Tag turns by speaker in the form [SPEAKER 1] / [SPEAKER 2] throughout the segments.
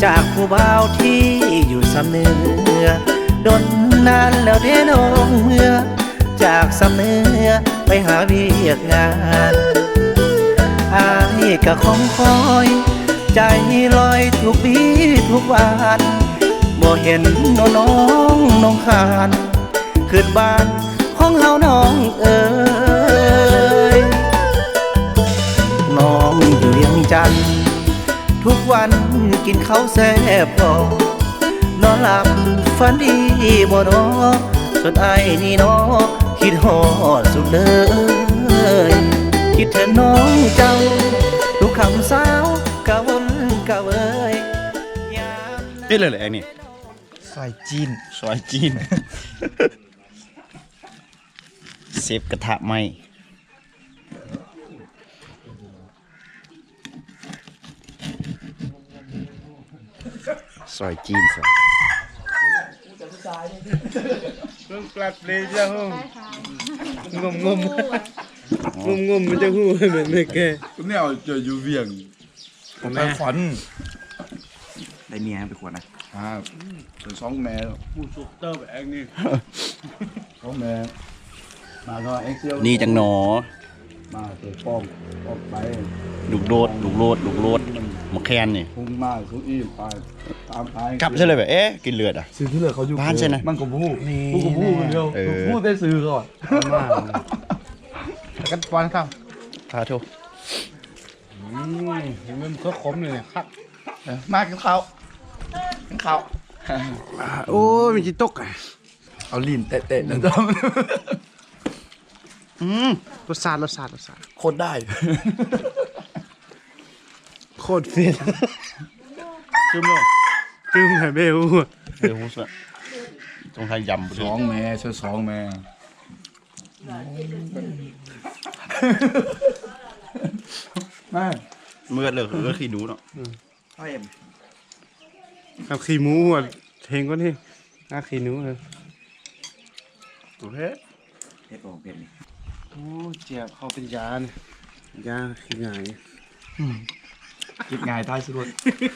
[SPEAKER 1] จากผู้บ่าวที่อยู่สำเนือดนนานแล้วเด้น้องเมื่อจากสำเนือไปหาเวียกงานอายก็คงคอยใจลอยทุกวีทุกวันบ่เห็นน้องคานขึ้นบ้านของเฮาน้องเอ๋ยน้องอยู่เวียงจันทน์ทุกวันกินข้าวแซ่บพอนอนหลับฝันดีบ่นอส่วนไอ้นี่น้อคิดฮอดสุดเลยคิดถึงน้องเจ้าทุกคำสาวกะวนกะเวย
[SPEAKER 2] เอ๊ะเลยแหละนี่
[SPEAKER 3] ซอยจีน
[SPEAKER 2] ซอยจีนเซฟกระทะไหมซอยจีนซอย
[SPEAKER 3] เพิ่งกลับเลยจ้าห้องงมมันจะหู้เหมือนไม่แก่
[SPEAKER 4] คุณเนี่ยเจออยู่เวียงผมไปฝัน
[SPEAKER 2] ได้เมียไปขวด
[SPEAKER 4] ครับเป็นสองแม่
[SPEAKER 3] ผู้สุกเตอร์แบบเองนี่
[SPEAKER 4] สองแม่มาก็เอ็กเซีย
[SPEAKER 2] นี่จังหนอ
[SPEAKER 4] มาเตะป้อมไป
[SPEAKER 2] ลูกโลดมะแคนนี่
[SPEAKER 4] พุ่งมาสุอีไปตามไป
[SPEAKER 2] กลับใช่เลยแบบเอ๊ะกินเลือด
[SPEAKER 4] ซื้อที่เหลือเขาอยู่
[SPEAKER 2] บ้านใช่ไหม
[SPEAKER 4] มันก็พูดคนเดียวพูดได้ซื้อก่อน
[SPEAKER 3] กันปอนครับ
[SPEAKER 2] พาโท
[SPEAKER 3] เห็นมันก็ขมเลยครับ
[SPEAKER 4] มากินข้าว
[SPEAKER 3] โอ้ยมันจะตก
[SPEAKER 4] เอาลิ้นเตะๆแล้วจ้
[SPEAKER 3] รสชาติ
[SPEAKER 4] โคตรได้
[SPEAKER 3] โคตรเฟี้ยน
[SPEAKER 2] จึ้มเลย
[SPEAKER 3] แบบเบล
[SPEAKER 2] หูสะตรงไทยยำ
[SPEAKER 4] สองแม่ช่วยสองแม่แม่
[SPEAKER 2] เมื่อเลยก็ขี้หนูเนาะ
[SPEAKER 3] ครับขี้หมูหัวเทงก็นี่ขี้หนูเลย
[SPEAKER 2] ตัวเพชของเพชรนี่
[SPEAKER 3] โอ้เจ็บเขาเป็นยาเนี่ยยาขี้ง่าย
[SPEAKER 4] คิดง่ายท้ายสุด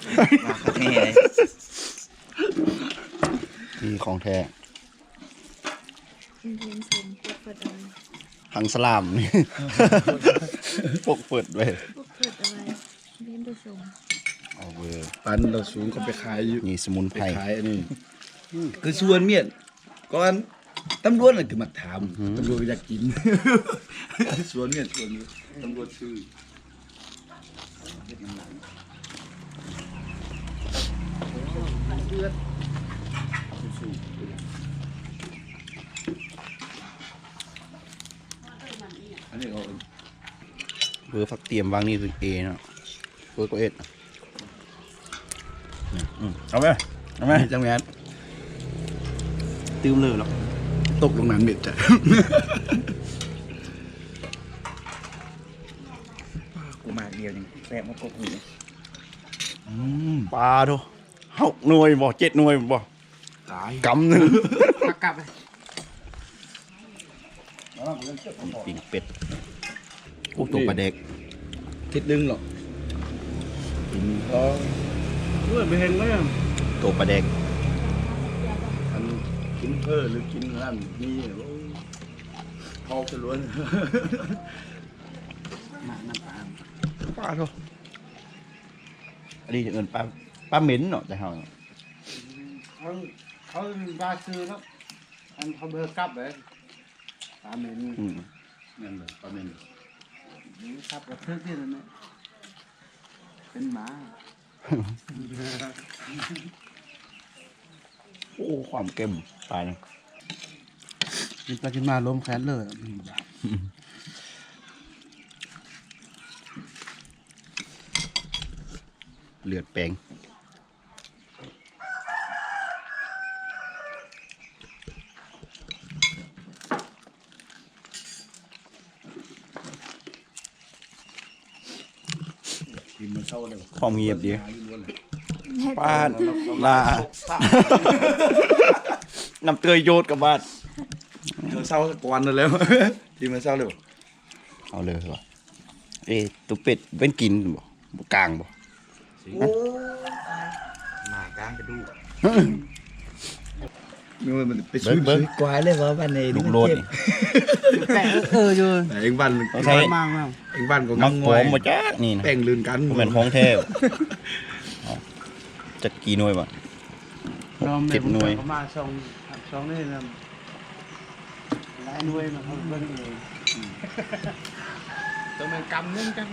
[SPEAKER 2] นี่ของแท้หังสลามนี่ปกเปิดไว้เอาเวอร์
[SPEAKER 4] ปันเราสูงก็ไปขายอยู่
[SPEAKER 2] นี่สมุนไพร
[SPEAKER 4] ขายอันนี้คือส่วนเมียนก่อนตำรวจน่ะคือมาถามตำรวจอยากกินส่วนเมียนตำรวจชื่ออันนี้เขา
[SPEAKER 2] เบอร์ฟักเตรียมวางนี่คือเอเนาะเบอร์ก็เอ็ดเอาไหม
[SPEAKER 4] จังแมน
[SPEAKER 2] ตื้มเลยหรอ
[SPEAKER 4] ตกลงน้ำเม็ดจ้ะ
[SPEAKER 2] กูมาเดียวนึงแซ่บมากกว่าหูปลาโถ6 หน่วยบ่7 หน่วยบ่
[SPEAKER 4] ตาย
[SPEAKER 2] กำหนึ่ง
[SPEAKER 3] กลับเลย
[SPEAKER 2] ปิ่งเป็ดพวกตัวปลาเด็ก
[SPEAKER 4] คิดดึงหรอกกินก็
[SPEAKER 3] ไม่เห็นเลย
[SPEAKER 2] ตัวปลาเด็ก
[SPEAKER 4] อันกินเพิ่หรือกินนั่นนี่พอจะล้วน
[SPEAKER 2] ปลาโถอันนี้จะเงินปลาเหม็นเนาะจะเฮา
[SPEAKER 3] เขาบาซื้อแล้วอันเขาเบอร์กลับเลยปลาเหม็น
[SPEAKER 4] นั่นเลยปลาเหม็น
[SPEAKER 3] ครับกระเทือกที่นั่นเป็นหมา
[SPEAKER 2] โอ้ความเค็มตายนะ
[SPEAKER 3] กินมาล้มแขนเลย
[SPEAKER 2] เลือดแปลงความเงียบดีป้าลาน้ำเตยโยดกับบ้าน
[SPEAKER 4] เศร้าก่อนแล้วทีมันเศร้าเลย
[SPEAKER 2] เอาเลยเหรอตัวเป็ดเป็นกินบ่กลางบ่
[SPEAKER 1] างกระดูก
[SPEAKER 4] มันไปซื้อกวายเลยว่าบ้านใน
[SPEAKER 2] ลูกโลดนี่
[SPEAKER 3] แต่อยู่
[SPEAKER 4] เองบ้าน
[SPEAKER 2] ใช่
[SPEAKER 3] มากมาก
[SPEAKER 4] เองบ้านก็
[SPEAKER 2] มั
[SPEAKER 4] ง
[SPEAKER 2] ก
[SPEAKER 4] ง
[SPEAKER 2] ผ
[SPEAKER 4] วย
[SPEAKER 2] มมาจ้านี่นะ
[SPEAKER 4] แป้งลื่นกัน
[SPEAKER 2] มันเป็นของแท้จะกี่หน่วยบ่
[SPEAKER 3] เรา
[SPEAKER 2] เจ็ดหน่วย
[SPEAKER 3] เขามาสองนี่นะหลายหน่วยมาเขาเบิ่งเองตัวมันกำนึงกัน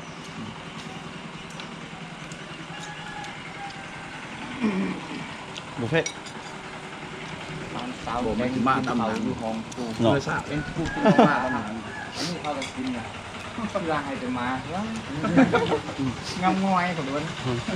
[SPEAKER 2] บุฟเฟ่
[SPEAKER 1] สาวแม่งมาตำหนังอยู่ของกู
[SPEAKER 2] เนาะ
[SPEAKER 4] เนื้อสาบ
[SPEAKER 1] เป็นกูกินมาตำหนังอันนี้เขาจะกินอ่ะกำลังให้ไปมาว้างำงอยของมัน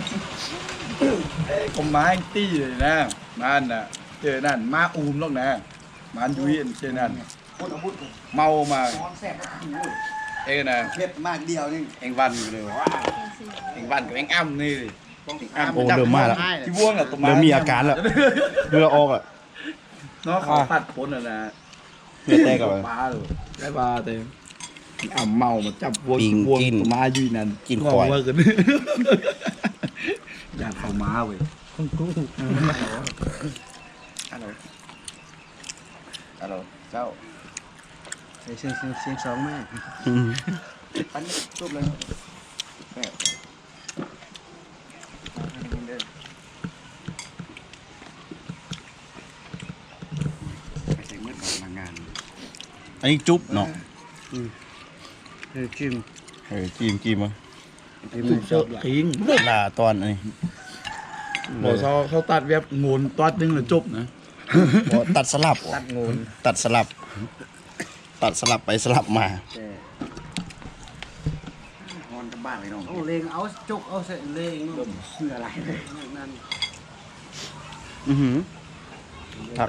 [SPEAKER 4] ผมมาให้ตี้เลยนะบ้านน่ะเจอนั่นมาอูมหรอกนะบ้านยุ้ยเจอนั่นเมามา
[SPEAKER 1] ซ้อนแซ่บ
[SPEAKER 4] เองนะ
[SPEAKER 1] เผ็ดมากเดียวนี่
[SPEAKER 4] เองวันอยู่เลยว้าเองวันกับเองอ้ำนี่อ้ำ
[SPEAKER 2] โอ้เริ่มมาแล้ว
[SPEAKER 4] ที่ว่วงอะตัวมา
[SPEAKER 2] เริ่มมีอาการแล้วเรือออกอ่ะ
[SPEAKER 4] เนาะเขาตัดพ้นอ่ะนะ
[SPEAKER 2] เรือแตกกับ
[SPEAKER 4] ปลาเลยได้ปลาเต็มอ้ำเมามาจับวัว
[SPEAKER 2] ปิง
[SPEAKER 4] วัว
[SPEAKER 2] กิน
[SPEAKER 4] ตัวมาอยู่นั่น
[SPEAKER 2] กินควาย
[SPEAKER 4] งงเวอร์กันอยากเข้ามาเว้ย
[SPEAKER 1] ฮัลโหลฮัลโหลเจ้า
[SPEAKER 3] เสียงสองแม่
[SPEAKER 1] ปั้นรูปเลยแซ่บ
[SPEAKER 4] ใส่มืดกับมางาน
[SPEAKER 2] อันนี้จุ๊บเนาะ
[SPEAKER 3] จิ้ม
[SPEAKER 2] จิ้มมา
[SPEAKER 4] ถูกเจาะทิ้ง
[SPEAKER 2] ลาตอนอันนี้
[SPEAKER 4] บอกเขาตัดเว็บงูนตัดนึงแล้วจบนะ
[SPEAKER 2] บ่ตัดสลับ
[SPEAKER 1] ตัดงูน
[SPEAKER 2] ตัดสลับ ตัดสลับไปสลับมา
[SPEAKER 1] งอนกับบ้านเลยน้อง
[SPEAKER 3] เอาเลงเอาจุกเอาเสร็จเลง
[SPEAKER 1] เพื่ออะไร
[SPEAKER 3] นั่น
[SPEAKER 2] อือหือครับ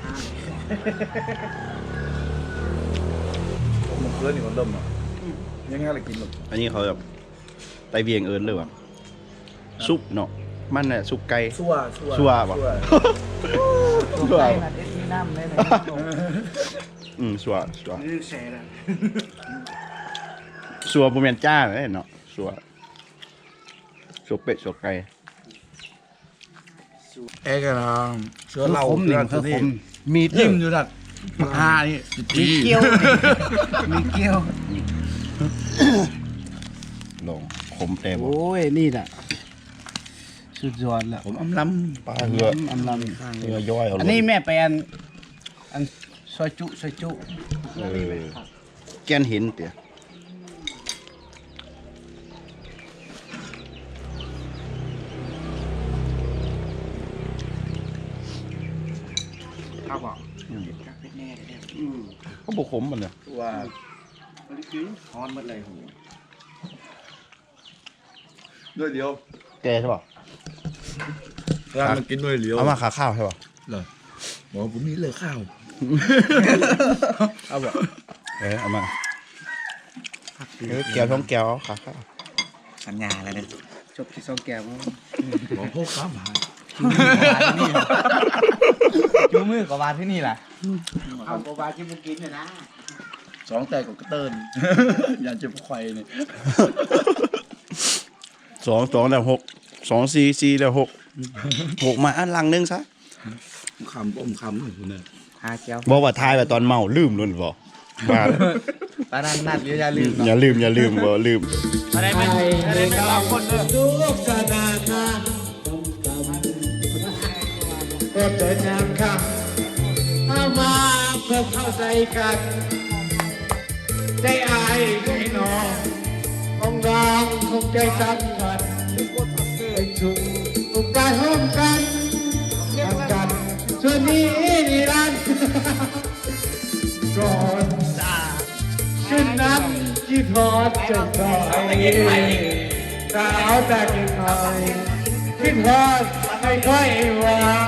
[SPEAKER 4] มันเพื่อนนี่คนเริ่มอ่ะยังไงล่ะกินหรอก
[SPEAKER 2] อันนี้เขาแบบไปเวียงเอิญเลยว่ะซุปเนาะมันน่ะซุปไก่
[SPEAKER 4] ชั่ว
[SPEAKER 2] ชั่วป่ะ
[SPEAKER 1] ตัวไก่น่ะเอ็ดมีน้ำเลยนะ
[SPEAKER 2] ชัว
[SPEAKER 3] นี่แซ่ละ
[SPEAKER 2] ชัวบ่แม่นจ้าเลยเนาะชัวเป็ดชัวไก่
[SPEAKER 4] เอ๊ะกันนะเชื้อเรา
[SPEAKER 3] หนึ่งคือผม
[SPEAKER 2] มีด
[SPEAKER 4] ยิ้มอยู่นั่นมานี่
[SPEAKER 3] มีเกี๊ยวมีเกี๊ยว
[SPEAKER 2] ลงขมแต่บ่
[SPEAKER 3] โอ้ยนี่แหละสุดยอดแล้ว
[SPEAKER 4] ผมอำล
[SPEAKER 2] ปลาเหือ
[SPEAKER 3] อำล
[SPEAKER 2] เหือย่อยเอา
[SPEAKER 3] ำ
[SPEAKER 2] ล
[SPEAKER 3] อั
[SPEAKER 2] ง
[SPEAKER 3] นนี้แม่ไปอันซอยจุ
[SPEAKER 2] เออแกนเห็นเตี่ย
[SPEAKER 1] ครับบอก
[SPEAKER 2] ก็บ่ขมมันน่ะ
[SPEAKER 4] ำว่า
[SPEAKER 1] ฮอนหมดเลยหู
[SPEAKER 4] ด้วยเดียว
[SPEAKER 2] แกใช่ป่ะ
[SPEAKER 4] ร้านมันกินด้วยเดียว
[SPEAKER 2] เอามาขาข้าวใช่ป่ะ
[SPEAKER 4] บอกผมมีเลยข้าว
[SPEAKER 2] เอาบ่เอามาแก้วท้องแก้วขาข้าว
[SPEAKER 1] สัญญาแล้วเนี่ย
[SPEAKER 3] จบที่สองแก้ว
[SPEAKER 4] บอกพวกข้าวหาย
[SPEAKER 1] จูมือกับวานที่นี่แหละ
[SPEAKER 3] เอาโบบาที่มึงกินเนี่ยนะ
[SPEAKER 4] สองแต่กับกระเติ้นอยากจะพวกไข่เนี่ย
[SPEAKER 2] 2แล้ว6 2 4แล้ว6มาอันลังนึงซะ
[SPEAKER 4] คำป้อมคำคุณเนี่ย
[SPEAKER 1] หาแก้ว
[SPEAKER 2] บอกว่าทายแบบตอนเมาลืมลุ่นบ่มา
[SPEAKER 1] ปานันนัดเดี๋ยวอย่าลืม
[SPEAKER 2] อย่าลืมบ่ลืม
[SPEAKER 1] อะไรไม่อะไรไม่เอาคนเด้อ
[SPEAKER 5] ก็เดินทางข้ามเอามาเพื่อเข้าใจกันได้อายได้นององรองคงใจสำคัญไปถูกทุกการร่วมกันกันส่วนนี้นิรันดร์ก่อนจากขึ้นนั้นที่ทอดจะคอยสาวแต่กินคอยขึ้นทอดไม่ค่อยหวาน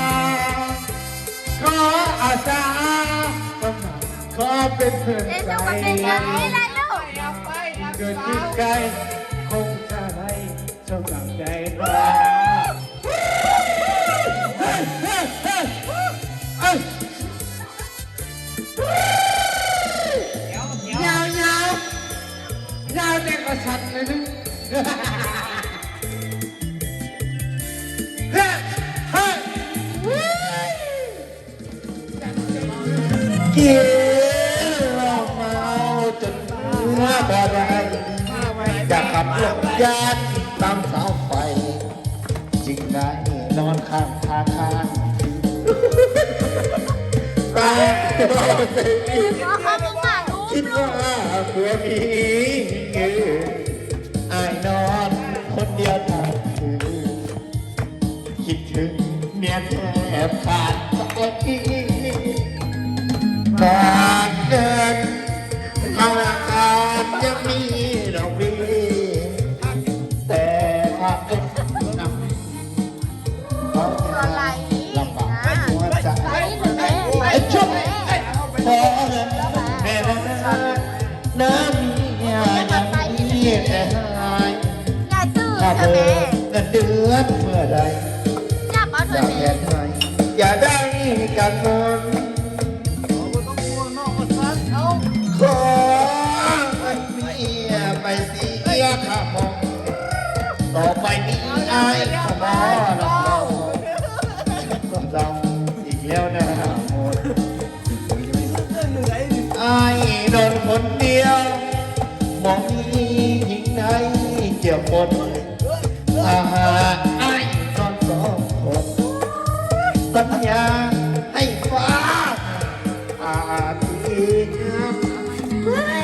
[SPEAKER 5] ขออาสาขอเป็นเพื่อนใจเกิดขึ้นไกลคงจะได้สมดังใจรอยาวเด็กก็สั่นเลยนึงบ่ได้จะขับรถยานตามเสาไฟจึงได้นอนข้างทางตาคิดว่าผัวมีอายนอนคนเดียวทางคืนคิดถึงเมียแทบขาดใจบางเดินธนาคารยังมีดอกเบี้ยแต่ถ้าเป็นนำเขาจะลำบากหัวใจไอ้ชุบพอเงินแม่น้ำมียังมีแต่หายถ้าเบิกเงินเดือนเมื่อใดอย่าแทนให้อย่าได้กันนอนขอให้เมียไปเสียค่ามองต่อไปนี้อายขอรับรองก็ดำอีกแล้วนะหมดอายโดนคนเดียวมองมีหญิงไหนเกี่ยวหมดอาหารอายนอนสองคนสัญญาให้ฟ้าอาที